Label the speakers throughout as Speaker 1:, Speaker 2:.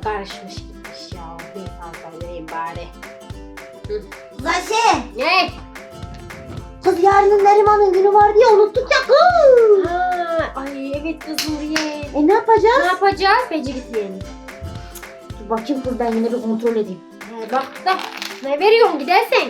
Speaker 1: karışmış gitmiş ya. Neyse az vereyim bari.
Speaker 2: Kız Ayşe.
Speaker 1: Ne?
Speaker 2: Kız yarının Neriman'ın günü var diye unuttuk ya kız.
Speaker 1: Ha, ay evet kız Nuriye.
Speaker 2: Ne yapacağız?
Speaker 1: Ne yapacağız? Bence gitmeyelim.
Speaker 2: Dur bakayım kız, ben yine bir kontrol edeyim.
Speaker 1: Bak da ne veriyorsun gidersen.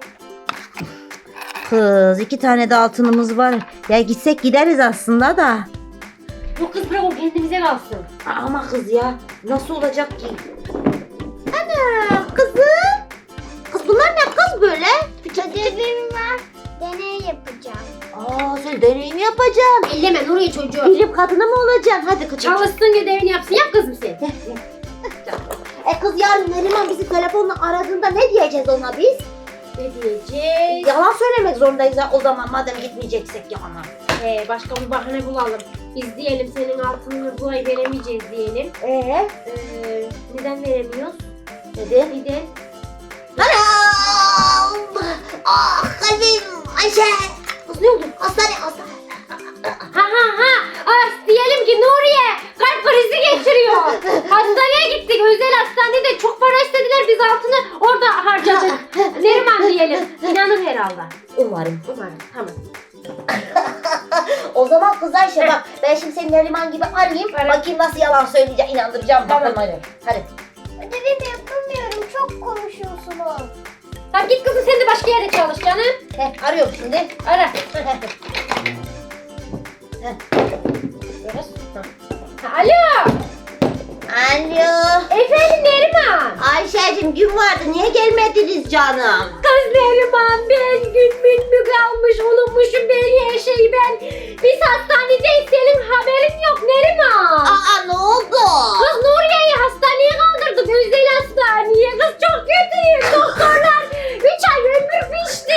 Speaker 2: Kız 2 tane de altınımız var. Ya gitsek gideriz aslında da.
Speaker 1: Yok kız bırak o kendimize kalsın.
Speaker 2: Ama kız ya nasıl olacak ki? Ana kızım. Kız bunlar ne kız böyle?
Speaker 3: Ödevim var. Deney yapacağım.
Speaker 2: Aa sen deneyim yapacaksın.
Speaker 1: Elleme Nuriye çocuğu.
Speaker 2: Bilim kadını mı olacaksın? Hadi kız.
Speaker 1: Çalışsın ödevini yapsın. Yap kızım sen.
Speaker 2: Kız yarın Neriman bizi telefonla aradığında ne diyeceğiz ona biz?
Speaker 1: Ne diyeceğiz?
Speaker 2: Yalan söylemek zorundayız ya o zaman madem gitmeyeceksek yana.
Speaker 1: Başka bir bahane bulalım. Biz diyelim senin altınını bu ay veremeyeceğiz diyelim. Neden veremiyoruz?
Speaker 2: Neden?
Speaker 1: Neden?
Speaker 2: Anam! Ah kalbim Ayşe!
Speaker 1: Kız ne oldu?
Speaker 2: Hastane.
Speaker 1: Diyelim ki Nuriye kalp krizi geçiriyor. Hastaneye gittik. Özel hastanede çok para istediler. Biz altını orada harcadık. Neriman diyelim. İnanır herhalde.
Speaker 2: Umarım.
Speaker 1: Tamam.
Speaker 2: O zaman kız Ayşe bak ben şimdi seni Neriman gibi arayayım.
Speaker 1: Ara.
Speaker 2: Bakayım nasıl yalan söyleyeceğim, inandıracağım.
Speaker 1: Tamam.
Speaker 2: Bakalım hadi.
Speaker 3: Ödevimi yapamıyorum. Çok konuşuyorsunuz.
Speaker 1: Tamam git kızım sen de başka yerde çalış canım.
Speaker 2: Arıyorum şimdi.
Speaker 1: Ara. Alo.
Speaker 2: Alo.
Speaker 1: Efendim Neriman.
Speaker 2: Ayşe'cim gün vardı niye gelmediniz canım?
Speaker 1: Kız Neriman ben gün mü kalmış unutmuşum ben her şeyi ben. Biz hastanedeyiz senin haberin yok Neriman.
Speaker 2: Aa ne oldu?
Speaker 1: Kız Nuriye'yi hastaneye kaldırdık özel hastaneye. Kız çok kötüyüm doktorlar 3 ay ömür biçti.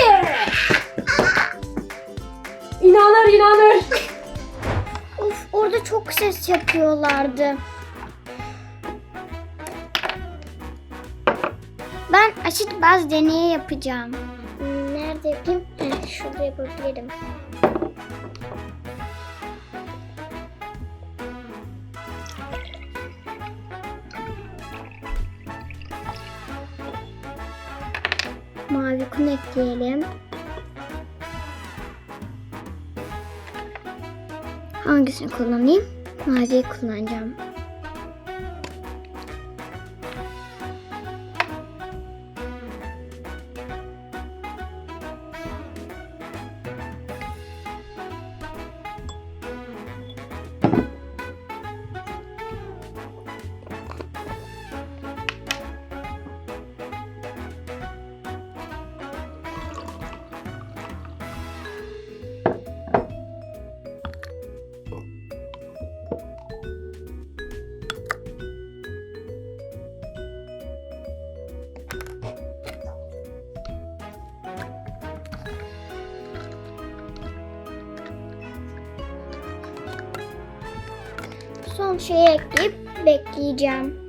Speaker 1: İnanır.
Speaker 3: Of, orada çok ses yapıyorlardı. Ben aşit baz deneyi yapacağım. Nerede yapayım? Şurada yapabilirim. Mavi kum ekleyelim. Hangisini kullanayım? Maviyi kullanacağım. Son şeyi ekleyip bekleyeceğim.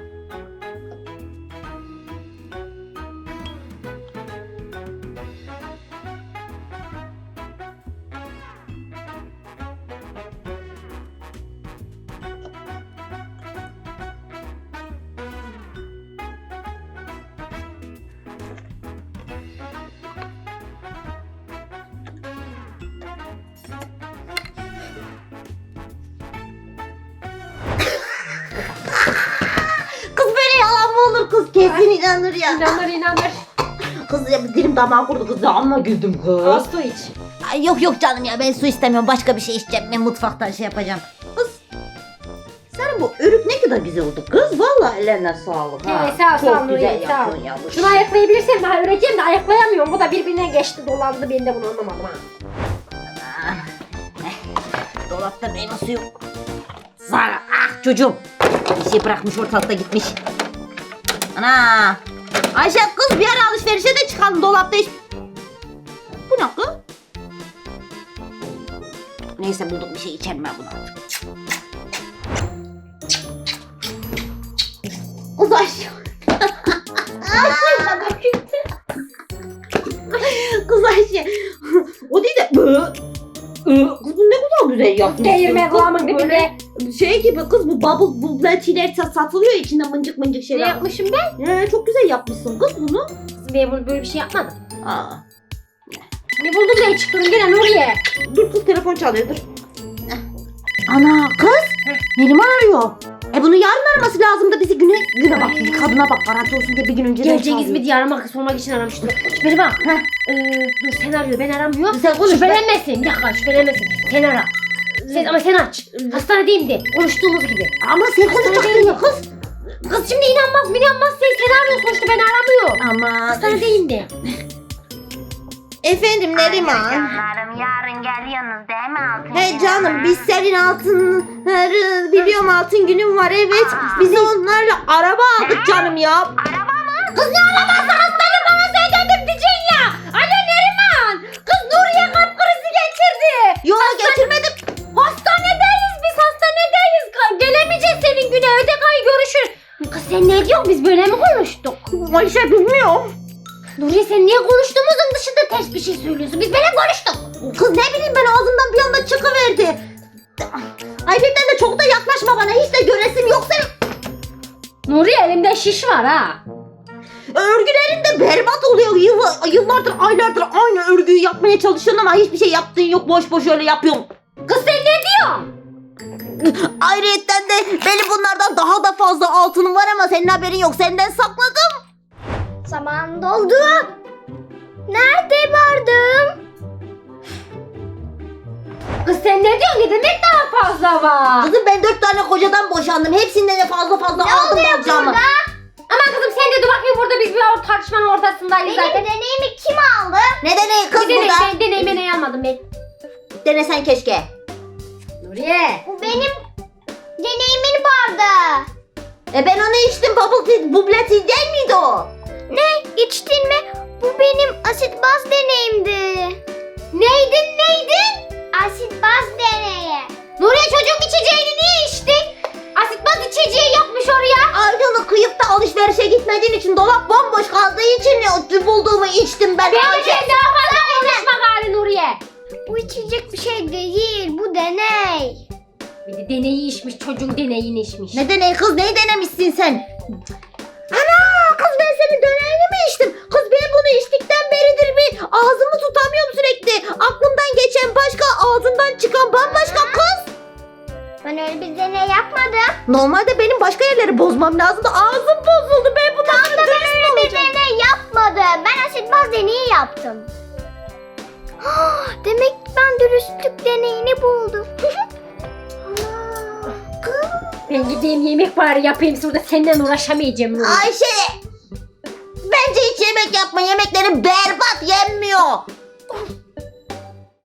Speaker 2: Kız böyle yalan mı olur kız? Kesin inanır ya.
Speaker 1: İnanır.
Speaker 2: Kız ya dilim damağım kurdu kız, amma güldüm kız.
Speaker 1: Az su iç.
Speaker 2: Ay, yok canım ya, ben su istemiyorum, başka bir şey içeceğim, ben mutfaktan şey yapacağım. Kız senin bu örük ne kadar güzel oldu kız, vallahi ellerine sağlık ha.
Speaker 1: Evet, sağ ol,
Speaker 2: Çok
Speaker 1: sağ ol,
Speaker 2: güzel
Speaker 1: Nuriye, sağ ol.
Speaker 2: yapıyorsun yavrum.
Speaker 1: Şunu ayaklayabilirsem daha öreceğim de ayaklayamıyorum. Bu da birbirine geçti dolandı ben de bunu anlamadım ha.
Speaker 2: Dolapta meyve suyu. Zara, ah çocuğum. Bir şey bırakmış ortalıkta gitmiş. Ana. Ayşe kız bir ara alışverişe de çıkalım, dolapta hiç. Bu ne kız? Neyse bulduk bir şey, içerim ben bunu artık. Kız Ayşe. Kız Ayşe. O değil de. Kız bu ne kadar güzel yapmışsın.
Speaker 1: Değirme kulağımın
Speaker 2: Böyle
Speaker 1: dibinde.
Speaker 2: Şey gibi kız, bu bubble bubletiler satılıyor ya, içinde mıncık mıncık
Speaker 1: Ne
Speaker 2: şeyler.
Speaker 1: yapmışım ben?
Speaker 2: Çok güzel yapmışsın kız bunu.
Speaker 1: Ben böyle bir şey yapmadım.
Speaker 2: Aa.
Speaker 1: Ne buldun da çıktın gene Nuriye?
Speaker 2: Dur kız, telefon çalıyor, dur. Ana kız, Neriman arıyor. Bunu yarın araması lazım da bizi güne bak, bir kadına bak, garanti olsun diye bir gün önce
Speaker 1: Geleceğiniz mi diye aramak, sormak için aramıştım. Şüpheli bak. Dur sen arıyor, ben aramıyorum.
Speaker 2: Sen konuş.
Speaker 1: Şüphelenmesin. Bir dakika, şüphelenmesin. Sen ara. Ama sen aç. Hastanedeyim de. Konuştuğumuz gibi.
Speaker 2: Ama sen konuşacaksın ya kız.
Speaker 1: Kız şimdi inanmaz sen arıyorsun sonuçta, ben aramıyorum.
Speaker 2: Ama
Speaker 1: Hastanedeyim de.
Speaker 2: efendim Neriman.
Speaker 4: Canlarım, yarın geliyorsunuz değil mi altın
Speaker 2: He
Speaker 4: günü?
Speaker 2: canım, biz senin altınları biliyorum, altın günün var, evet. Biz onlarla araba aldık canım ya.
Speaker 4: Araba mı?
Speaker 1: Kız ne arabası, hastane parası ödedim diyeceksin ya. Anne Neriman. Kız Nuriye kalp krizi geçirdi.
Speaker 2: Yok getirmedim.
Speaker 1: Hastanedeyiz biz, hastanedeyiz. Gelemeyeceğiz senin güne, ödek ay görüşür. Kız sen ne diyorsun, biz böyle mi konuştuk?
Speaker 2: Ayşe bilmiyorum.
Speaker 1: Nuriye sen niye konuştuğumuzun dışında ters bir şey söylüyorsun? Biz böyle konuştuk.
Speaker 2: Kız ne bileyim ben, ağzımdan bir anda çıkıverdi. Ayrıca de çok da yaklaşma bana, hiç de göresim yok senin.
Speaker 1: Nuriye elimde şiş var ha.
Speaker 2: Örgülerin de berbat oluyor. Yıllardır, aylardır aynı örgüyü yapmaya çalışıyorsun ama hiçbir şey yaptığın yok. Boş boş öyle yapıyorsun.
Speaker 1: Kız sen ne diyorsun?
Speaker 2: Ayrıyeten de benim bunlardan daha da fazla altınım var ama senin haberin yok. Senden sakladım.
Speaker 3: Zaman doldu. Nerede vardım?
Speaker 1: Kız sen ne diyorsun? Ne demek daha fazla var?
Speaker 2: Kızım ben 4 tane kocadan boşandım. Hepsinden de fazla aldım bacağımı.
Speaker 1: Ama kızım sen de dur bakayım, burada biz bir tartışmanın ortasındayız
Speaker 3: Benim
Speaker 1: zaten.
Speaker 3: deneyimi kim aldı?
Speaker 2: Ne deneyi kız
Speaker 1: Bir
Speaker 2: burada?
Speaker 1: ben deneyime ne almadım ben.
Speaker 2: Denesen keşke.
Speaker 1: Nuriye.
Speaker 3: Bu benim deneyimin vardı.
Speaker 2: Ben onu içtim. Bubble tea, bubble tea değil miydi o?
Speaker 3: Ne? İçtin mi? Bu benim asit baz deneyimdi.
Speaker 1: Neydin?
Speaker 3: Asit baz deneyi.
Speaker 1: Nuriye çocuğun içeceğini niye içtin? Asitbaz içeceği yokmuş oraya.
Speaker 2: Ayrıca kıyıp da alışverişe gitmediğin için, dolap bomboş kaldığı için bulduğumu içtim ben.
Speaker 1: Ben
Speaker 2: Ayşe.
Speaker 1: de daha fazla konuşma gari Nuriye.
Speaker 3: Bu içecek bir şey değil. Bu deney.
Speaker 1: Bir de deneyi içmiş, çocuğun deneyini içmiş.
Speaker 2: Ne deney kız, neyi denemişsin sen? Ana kız, ben senin deneyini mi içtim? Kız ben bunu içtikten beridir bir ağzımı tutamıyorum sürekli. Aklımdan geçen başka, ağzımdan çıkan bambaşka kız.
Speaker 3: Ben öyle bir deney yapmadım.
Speaker 2: Normalde benim başka yerleri bozmam lazımdı. Ağzım bozuldu. Ben bundan sonra dürüst mü
Speaker 3: Bir
Speaker 2: olacağım?
Speaker 3: deney yapmadım. Ben asit baz deneyi yaptım. Demek ben dürüstlük deneyini buldum.
Speaker 1: Ben gideyim yemek bari yapayım, sonra senden uğraşamayacağım Nuriye.
Speaker 2: Ayşe, bence hiç yemek yapma. Yemeklerin berbat, yenmiyor.